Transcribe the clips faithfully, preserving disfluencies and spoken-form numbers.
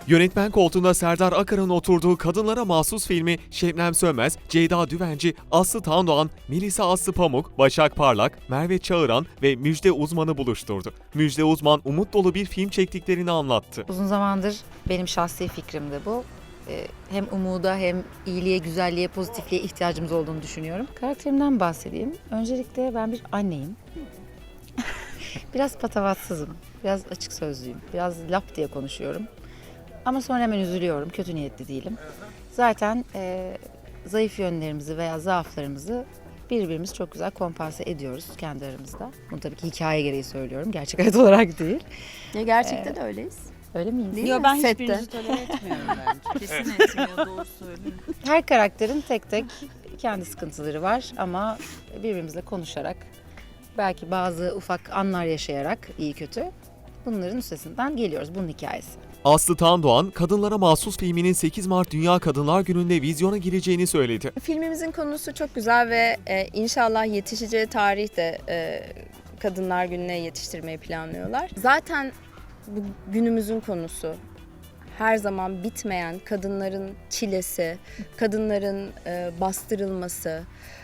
Yönetmen koltuğunda Serdar Akar'ın oturduğu kadınlara mahsus filmi Şebnem Sönmez, Ceyda Düvenci, Aslı Tandoğan, Melisa Aslı Pamuk, Başak Parlak, Merve Çağıran ve Müjde Uzman'ı buluşturdu. Müjde Uzman umut dolu bir film çektiklerini anlattı. Uzun zamandır benim şahsi fikrimdi bu. Ee, Hem umuda hem iyiliğe, güzelliğe, pozitifliğe ihtiyacımız olduğunu düşünüyorum. Karakterimden bahsedeyim. Öncelikle ben bir anneyim. Biraz patavatsızım, biraz açık sözlüyüm, biraz lap diye konuşuyorum. Ama sonra hemen üzülüyorum, kötü niyetli değilim. Zaten e, zayıf yönlerimizi veya zaaflarımızı birbirimiz çok güzel kompanse ediyoruz kendi aramızda. Bunu tabii ki hikaye gereği söylüyorum, gerçek hayat olarak değil. Ya gerçekten Ee, de öyleyiz. Öyle miyiz? Değil Yok mi? ben Sette. hiçbirinizi tolere etmiyorum bence. Kesin etmiyor, doğru söylüyorum. Her karakterin tek tek kendi sıkıntıları var ama birbirimizle konuşarak, belki bazı ufak anlar yaşayarak iyi kötü bunların üstesinden geliyoruz. Bunun hikayesi. Aslı Tandoğan, kadınlara mahsus filminin sekiz Mart Dünya Kadınlar Günü'nde vizyona gireceğini söyledi. Filmimizin konusu çok güzel ve e, inşallah yetişeceği tarihte e, Kadınlar Günü'ne yetiştirmeyi planlıyorlar. Zaten bu günümüzün konusu her zaman bitmeyen kadınların çilesi, kadınların e, bastırılması,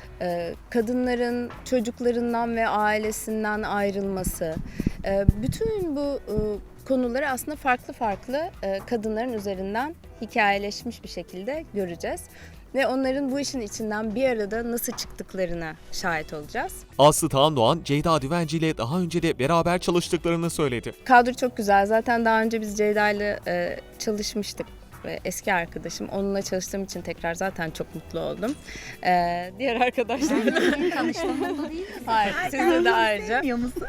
e, kadınların çocuklarından ve ailesinden ayrılması. E, bütün bu e, konuları aslında farklı farklı e, kadınların üzerinden hikayeleşmiş bir şekilde göreceğiz. Ve onların bu işin içinden bir arada nasıl çıktıklarına şahit olacağız. Aslı Tandoğan, Ceyda Düvenci ile daha önce de beraber çalıştıklarını söyledi. Kadro çok güzel. Zaten daha önce biz Ceyda ile e, çalışmıştık. Ve eski arkadaşım. Onunla çalıştığım için tekrar zaten çok mutlu oldum. Ee, diğer arkadaşlarımla Tanıştığım mutlu değil mi? Hayır, sizle de ayrıca.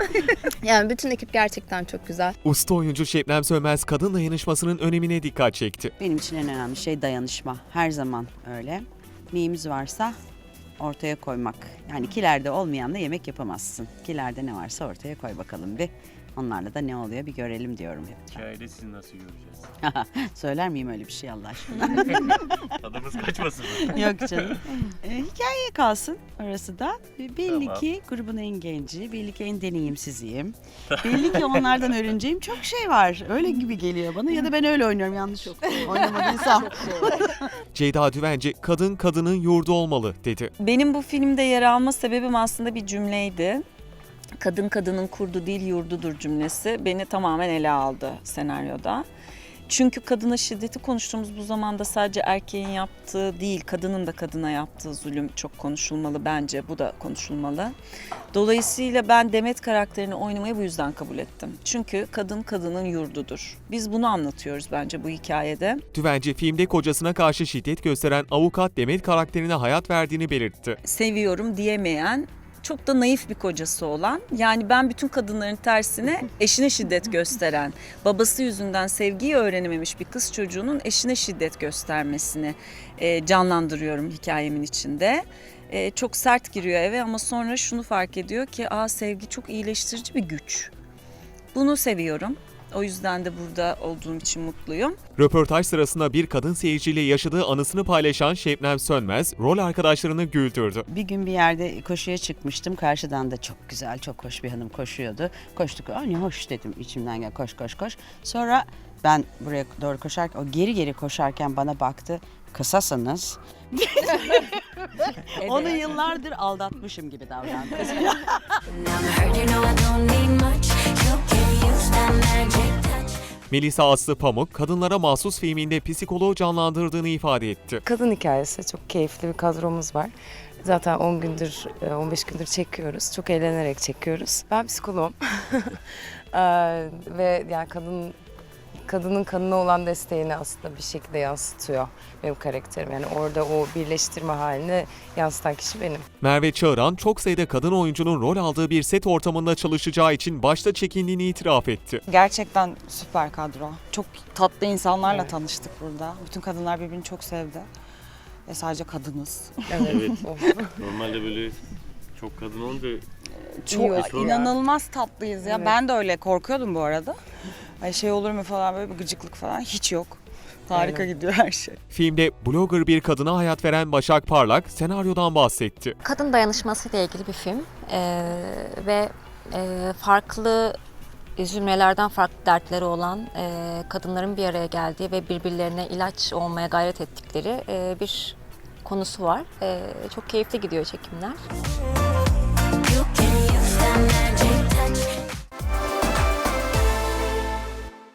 Yani bütün ekip gerçekten çok güzel. Usta oyuncu Şebnem Sönmez, kadın dayanışmasının önemine dikkat çekti. Benim için en önemli şey dayanışma. Her zaman öyle. Neyimiz varsa ortaya koymak. Yani kilerde olmayan da yemek yapamazsın. Kilerde ne varsa ortaya koy bakalım bir. Onlarla da ne oluyor bir görelim diyorum hep. Hikayede sizi nasıl göreceğiz? Söyler miyim öyle bir şey Allah aşkına? Tadımız kaçmasın mı? Yok canım. Ee, hikayeye kalsın orası da. Belli Tamam. ki grubun en genci, belli ki en deneyimsiziyim. Belli ki onlardan öğreneceğim çok şey var. Öyle gibi geliyor bana ya da ben öyle oynuyorum yanlış oynamadıysam. Ceyda Düvenci, kadın kadının yurdu olmalı dedi. Benim bu filmde yer alma sebebim aslında bir cümleydi. Kadın kadının kurdu değil yurdudur cümlesi beni tamamen ele aldı senaryoda. Çünkü kadına şiddeti konuştuğumuz bu zamanda sadece erkeğin yaptığı değil, kadının da kadına yaptığı zulüm çok konuşulmalı bence. Bu da konuşulmalı. Dolayısıyla ben Demet karakterini oynamayı bu yüzden kabul ettim. Çünkü kadın kadının yurdudur. Biz bunu anlatıyoruz bence bu hikayede. Düvenci, filmde kocasına karşı şiddet gösteren avukat Demet karakterine hayat verdiğini belirtti. Seviyorum diyemeyen, çok da naif bir kocası olan, yani ben bütün kadınların tersine eşine şiddet gösteren, babası yüzünden sevgiyi öğrenememiş bir kız çocuğunun eşine şiddet göstermesini e, canlandırıyorum hikayemin içinde. E, çok sert giriyor eve ama sonra şunu fark ediyor ki aa, sevgi çok iyileştirici bir güç. Bunu seviyorum. O yüzden de burada olduğum için mutluyum. Röportaj sırasında bir kadın seyirciyle yaşadığı anısını paylaşan Şebnem Sönmez, rol arkadaşlarını güldürdü. Bir gün bir yerde koşuya çıkmıştım. Karşıdan da çok güzel, çok hoş bir hanım koşuyordu. Koştuk. Aa, ne hoş dedim içimden gel koş koş koş. Sonra ben buraya doğru koşarken, o geri geri koşarken bana baktı. Kısasanız. Onu yıllardır aldatmışım gibi davrandı. Melisa Aslı Pamuk, kadınlara mahsus filminde psikoloğu canlandırdığını ifade etti. Kadın hikayesi, çok keyifli bir kadromuz var. Zaten on gündür, on beş gündür çekiyoruz. Çok eğlenerek çekiyoruz. Ben psikoloğum. Ee, ve yani kadın kadının kadına olan desteğini aslında bir şekilde yansıtıyor benim karakterim. Yani orada o birleştirme halini yansıtan kişi benim. Merve Çağıran, çok sayıda kadın oyuncunun rol aldığı bir set ortamında çalışacağı için başta çekindiğini itiraf etti. Gerçekten süper kadro. Çok tatlı insanlarla Evet. tanıştık burada. Bütün kadınlar birbirini çok sevdi. Ve sadece kadınız. Evet. Oh. Normalde böyle çok kadın olunca Çok Çok- inanılmaz tatlıyız ya. Evet. Ben de öyle korkuyordum bu arada. Ay şey olur mu falan böyle bir gıcıklık falan hiç yok. Harika Aynen. gidiyor her şey. Filmde blogger bir kadına hayat veren Başak Parlak, senaryodan bahsetti. Kadın dayanışması ile ilgili bir film ee, ve e, farklı üzülmelerden farklı dertleri olan e, kadınların bir araya geldiği ve birbirlerine ilaç olmaya gayret ettikleri e, bir konusu var. E, çok keyifli gidiyor çekimler.